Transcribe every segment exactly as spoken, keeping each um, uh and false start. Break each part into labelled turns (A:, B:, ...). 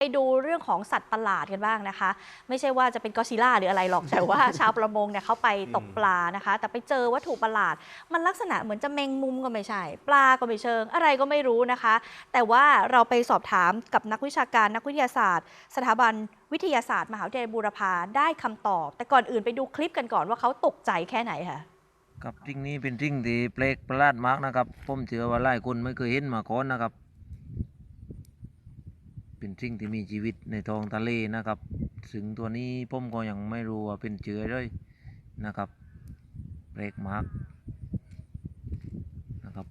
A: ไปดูเรื่องของสัตว์ประหลาดกันบ้างนะคะไม่ใช่ว่าจะเป็นกอซิล่าหรืออะไรหรอกแต่ว่าชาวประมงเนี่ยเขาไปตกปลานะคะแต่ไปเจอวัตถุประหลาดมันลักษณะเหมือนจะแมงมุมก็ไม่ใช่ปลาก็ไม่เชิงอะไรก็ไม่รู้นะคะแต่ว่าเราไปสอบถามกับนักวิชาการนักวิทยาศาสตร์สถาบันวิทยาศาสตร์มหาวิทยาลัยบูรพาได้คำตอบแต่ก่อนอื่นไปดูคลิปกันก่อนว่าเขาตกใจแค่ไหนค่ะ
B: ครับสิ่งนี้เป็นสิ่งที่แปลกประหลาดมากนะครับผมเชื่อว่าหลายคนไม่เคยเห็นมาก่อนนะครับเป็นสิ่งที่มีชีวิตในท้องทะเลนะครับซึ่งตัวนี้ผมก็ยังไม่รู้ว่าเป็นเชื้อเลยนะครับแปลกมากนะครับ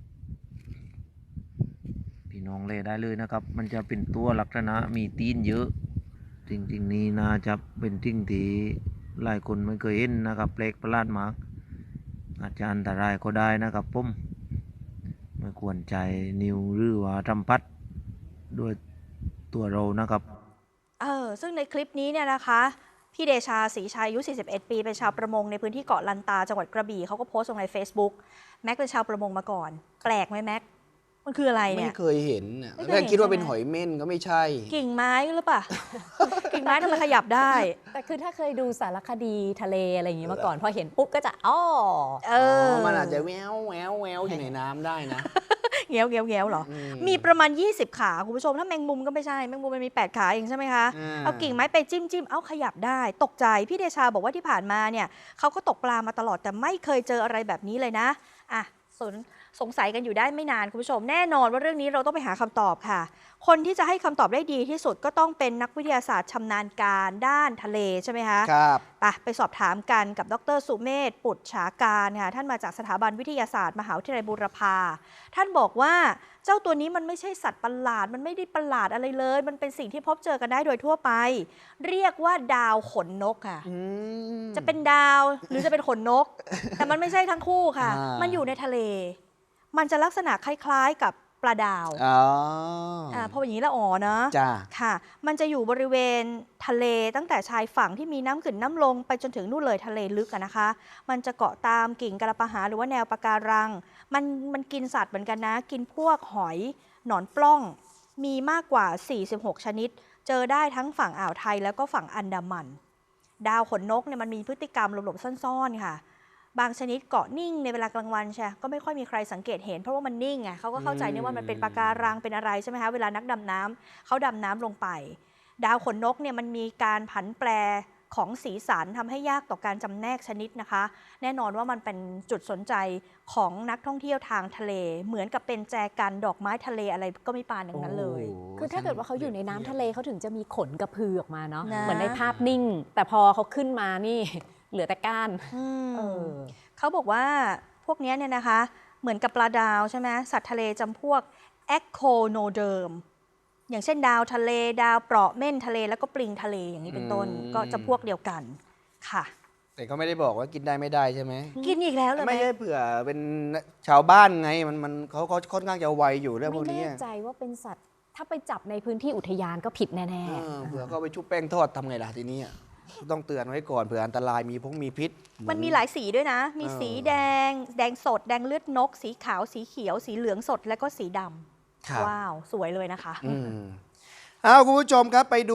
B: พี่น้องเลยได้เลยนะครับมันจะเป็นตัวลักษณะมีตีนเยอะจริงๆนี้น่าจะเป็นสิ่งที่หลายคนไม่เคยเห็นนะครับแปลกประหลาดมากอาจจะอันตรายก็ได้นะครับผมไม่ควรใจนิ้วหรือว่าทำพัดด้วยตัวเรานะครับ
A: เออซึ่งในคลิปนี้เนี่ยนะคะพี่เดชาศรีชัยอายุสี่สิบเอ็ดปีเป็นชาวประมงในพื้นที่เกาะลันตาจังหวัดกระบี่เขาก็โพสต์ลงใน Facebook แม็กเป็นชาวประมงมาก่อนแปลกไหมแม็กมันคืออะไรเนี่ย
C: ไม่เคยเห็นน่ะแรกคิดว่าเป็นหอยเม่นก็ไม่ใช่
A: กิ่งไม้หรือเปล่า กิ่งไม้ทำไมขยับได้
D: แต่คือถ้าเคยดูสารคดีทะเลอะไรอย่างนี้มาก่อนพอเห็นปุ๊บก็จะอ้อ
A: เออ
C: มันอาจจะแววแววแววอยู่ในน้ำได้นะ
A: เงี้ยวเงี้ยวเงี้ยวเหรอ มีประมาณยี่สิบขาคุณผู้ชมถ้าแมงมุมก็ไม่ใช่แมงมุมมันมีแปดขาเองใช่ไหมคะเอากิ่งไม้ไปจิ้มจิ้มเอาขยับได้ตกใจพี่เดชาบอกว่าที่ผ่านมาเนี่ยเขาก็ตกปลามาตลอดแต่ไม่เคยเจออะไรแบบนี้เลยนะอ่ะสนสงสัยกันอยู่ได้ไม่นานคุณผู้ชมแน่นอนว่าเรื่องนี้เราต้องไปหาคำตอบค่ะคนที่จะให้คำตอบได้ดีที่สุดก็ต้องเป็นนักวิทยาศาสตร์ชำนาญการด้านทะเลใช่ไหมคะ
C: ครับ
A: ไปไปสอบถามกันกับดรสุเมธปุจฉาการค่ะท่านมาจากสถาบันวิทยาศาสตร์มหาวิทยาลัยบูรพาท่านบอกว่าเจ้าตัวนี้มันไม่ใช่สัตว์ประหลาดมันไม่ได้ประหลาดอะไรเลยมันเป็นสิ่งที่พบเจอกันได้โดยทั่วไปเรียกว่าดาวขนนกค่ะจะเป็นดาวหรือจะเป็นขนนกแต่มันไม่ใช่ทั้งคู่ค่ะมันอยู่ในทะเลมันจะลักษณะคล้ายๆกับปลาดาวอ๋ออ่าพออย่างนี้ละอ๋อเนาะ
C: จ้า
A: ค่ะมันจะอยู่บริเวณทะเลตั้งแต่ชายฝั่งที่มีน้ำขึ้นน้ำลงไปจนถึงนู่นเลยทะเลลึกอะนะคะมันจะเกาะตามกิ่งกระปะหาหรือว่าแนวปะการังมันมันกินสัตว์เหมือนกันนะกินพวกหอยหนอนปล้องมีมากกว่าสี่สิบหกชนิดเจอได้ทั้งฝั่งอ่าวไทยแล้วก็ฝั่งอันดามันดาวขนนกเนี่ยมันมีพฤติกรรมหลบๆซ่อนๆค่ะบางชนิดเกาะนิ่งในเวลากลางวันใช่ก็ไม่ค่อยมีใครสังเกตเห็นเพราะว่ามันนิ่งไงเขาก็เข้าใจเนี่ยว่ามันเป็นปะการังเป็นอะไรใช่ไหมคะเวลานักดำน้ำเขาดำน้ำลงไปดาวขนนกเนี่ยมันมีการผันแปรของสีสันทำให้ยากต่อการจำแนกชนิดนะคะแน่นอนว่ามันเป็นจุดสนใจของนักท่องเที่ยวทางทะเลเหมือนกับเป็นแจกันดอกไม้ทะเลอะไรก็ไม่ปานอย่างนั้นเลย
D: คือถ้าเกิดว่าเขาอยู่ในน้ำทะเลเขาถึงจะมีขนกระพือออกมาเนาะเหมือนในภาพนิ่งแต่พอเขาขึ้นมานี่เหลือแต่ก้าน
A: เขาบอกว่าพวกนี้เนี่ยนะคะเหมือนกับปลาดาวใช่ไหมสัตว์ทะเลจำพวกแอคโคโนเดิมอย่างเช่นดาวทะเลดาวเปราะเม่นทะเลแล้วก็ปลิงทะเลอย่างนี้เป็นต้นก็จะพวกเดียวกันค่ะ
C: แต่เขาไม่ได้บอกว่ากินได้ไม่ได้ใช่ไหม
A: กินอีกแล้วเลย
C: ไม่ใช่เผื่อเป็นชาวบ้านไงมันมันเขาเขาค่อนข้างจะไวอยู่เรื่องพวกนี้
D: ไม่แน่ใจว่าเป็นสัตว์ถ้าไปจับในพื้นที่อุทยานก็ผิดแน่
C: ๆเผื่อเขาไปชุบแป้งทอดทำไงล่ะทีนี้ต้องเตือนไว้ก่อนเผื่ออันตรายมีพวกมีพิษ
A: มันมีหลายสีด้วยนะมีสีแดงแดงสดแดงเลือดนกสีขาวสีเขียวสีเหลืองสดและก็สีดำว้าวสวยเลยนะคะ
C: เอาคุณผู้ชมครับไปดู